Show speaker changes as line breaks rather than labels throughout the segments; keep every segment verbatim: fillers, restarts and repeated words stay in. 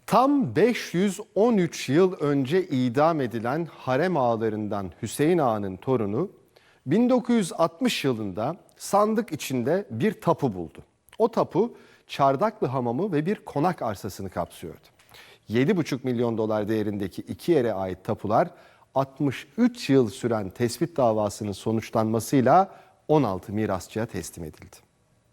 Tam beş yüz on üç yıl önce idam edilen harem ağalarından Hüseyin Ağa'nın torunu bin dokuz yüz altmış yılında sandık içinde bir tapu buldu. O tapu Çardaklı Hamamı ve bir konak arsasını kapsıyordu. yedi buçuk milyon dolar değerindeki iki yere ait tapular altmış üç yıl süren tespit davasının sonuçlanmasıyla on altı mirasçıya teslim edildi.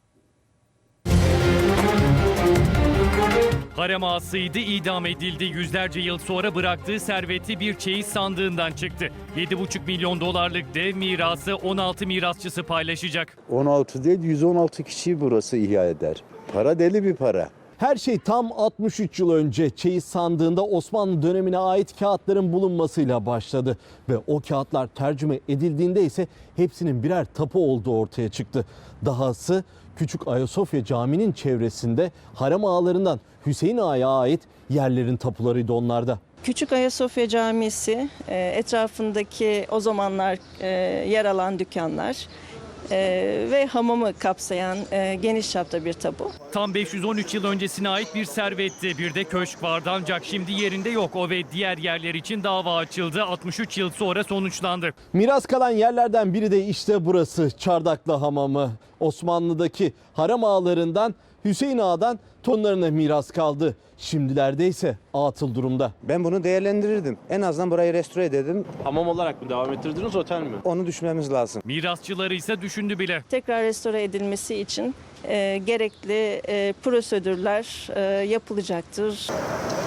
Harem ağasıydı, idam edildi. Yüzlerce yıl sonra bıraktığı serveti bir çeyiz sandığından çıktı. yedi buçuk milyon dolarlık dev mirası on altı mirasçısı paylaşacak.
on altı değil yüz on altı kişiyi burası ihya eder. Para deli bir para.
Her şey tam altmış üç yıl önce çeyiz sandığında Osmanlı dönemine ait kağıtların bulunmasıyla başladı. Ve o kağıtlar tercüme edildiğinde ise hepsinin birer tapu olduğu ortaya çıktı. Dahası Küçük Ayasofya Camii'nin çevresinde harem ağalarından Hüseyin Ağa'ya ait yerlerin tapularıydı onlarda.
Küçük Ayasofya Camisi, etrafındaki o zamanlar yer alan dükkanlar ve hamamı kapsayan geniş çapta bir tapu.
Tam beş yüz on üç yıl öncesine ait bir servetti. Bir de köşk vardı ancak şimdi yerinde yok. O ve diğer yerler için dava açıldı. altmış üç yıl sonra sonuçlandı.
Miras kalan yerlerden biri de işte burası, Çardaklı Hamamı. Osmanlı'daki harem ağalarından Hüseyin Ağa'dan torunlarına miras kaldı. Şimdilerde ise atıl durumda.
Ben bunu değerlendirirdim. En azından burayı restore ederdim.
Hamam olarak mı devam ettirdiniz, otel mi?
Onu düşünmemiz lazım.
Mirasçıları ise düşündü bile.
Tekrar restore edilmesi için e, gerekli e, prosedürler e, yapılacaktır.